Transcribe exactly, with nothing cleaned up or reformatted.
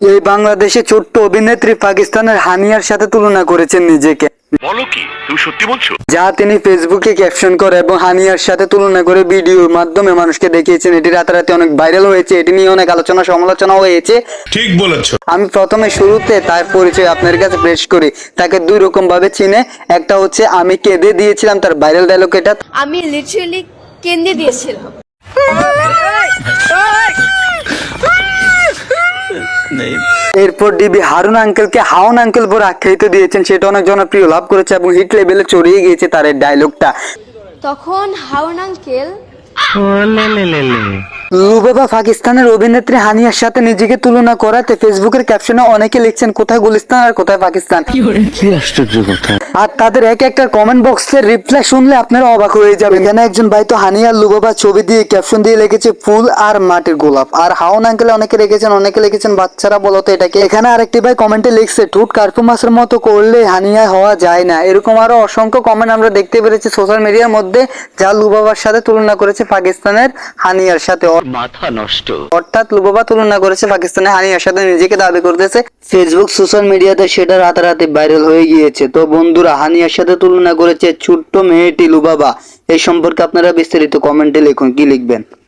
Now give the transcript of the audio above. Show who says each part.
Speaker 1: এই বাংলাদেশে ছোট্ট অভিনেত্রী পাকিস্তানের হানিয়ার সাথে তুলনা করেছেন নিজেকে।
Speaker 2: বলো কি তুমি সত্যি বলছো?
Speaker 1: যা তিনি ফেসবুকে ক্যাপশন করে এবং হানিয়ার সাথে তুলনা করে ভিডিওর মাধ্যমে মানুষকে দেখিয়েছেন। এটি রাতারাতি অনেক ভাইরাল হয়েছে, এটি নিয়ে অনেক আলোচনা সমালোচনা হয়েছে।
Speaker 3: ঠিক বলেছো।
Speaker 1: আমি প্রথমে শুরুতে তার পরিচয় আপনার কাছে পেশ করি। তাকে দুই রকম ভাবে চিনে। একটা হচ্ছে আমি কেঁদে দিয়েছিলাম, তার ভাইরাল ডায়লগ এটা।
Speaker 4: আমি লিটারালি কেঁদে দিয়েছিলাম।
Speaker 1: এরপর ডিবি হারুন আঙ্কেলকে হাউন আঙ্কেল বলে আখ্যায়িত দিয়েছেন, সেটা অনেক জনপ্রিয় লাভ করেছে এবং হিট লেভেলে ছড়িয়ে গিয়েছে তার এই ডায়লগটা।
Speaker 4: তখন হাউন আঙ্কেল
Speaker 1: লুবাবা পাকিস্তানের অভিনেত্রী হানিয়ার সাথে নিজেকে তুলনা করাতে ফেসবুকের ক্যাপশনে অনেকে লিখছেন কোথায় গুলিস্তান আর কোথায় পাকিস্তান।
Speaker 3: কি আশ্চর্য কথা।
Speaker 1: আর তাদের এক একটা কমেন্ট বক্সের রিপ্লাই শুনলে আপনারা অবাক হয়ে যাবেন। এখানে একজন ভাই তো হানিয়া লুবাবা ছবি দিয়ে ক্যাপশন দিয়ে লিখেছে ফুল আর মাটির গোলাপ। আর হাউন আঙ্কেলে অনেকে লিখেছেন অনেকে লিখেছেন বাচ্চারা বলতো এটাকে। এখানে আরেকটি ভাই কমেন্টে লিখছে ঠুট কার্পু মাছের মতো করলে হানিয়া হওয়া যায় না। এরকম আরো অসংখ্য কমেন্ট আমরা দেখতে পেরেছি সোশ্যাল মিডিয়ার মধ্যে, যা লুবাবার সাথে তুলনা করেছে পাকিস্তানের হানিয়ার সাথে।
Speaker 2: মাথা নষ্ট।
Speaker 1: অর্থাৎ লুবাবা তুলনা করেছে পাকিস্তানের হানিয়ার সাথে, নিজেকে দাবি করতেছে। ফেসবুক সোশ্যাল মিডিয়াতে সেটা রাতারাতি ভাইরাল হয়ে গিয়েছে। তো বন্ধুরা, হানিয়ার সাথে তুলনা করেছে ছোট্ট মেয়েটি লুবাবা। এই সম্পর্কে আপনারা বিস্তারিত কমেন্টে লিখুন, কি লিখবেন।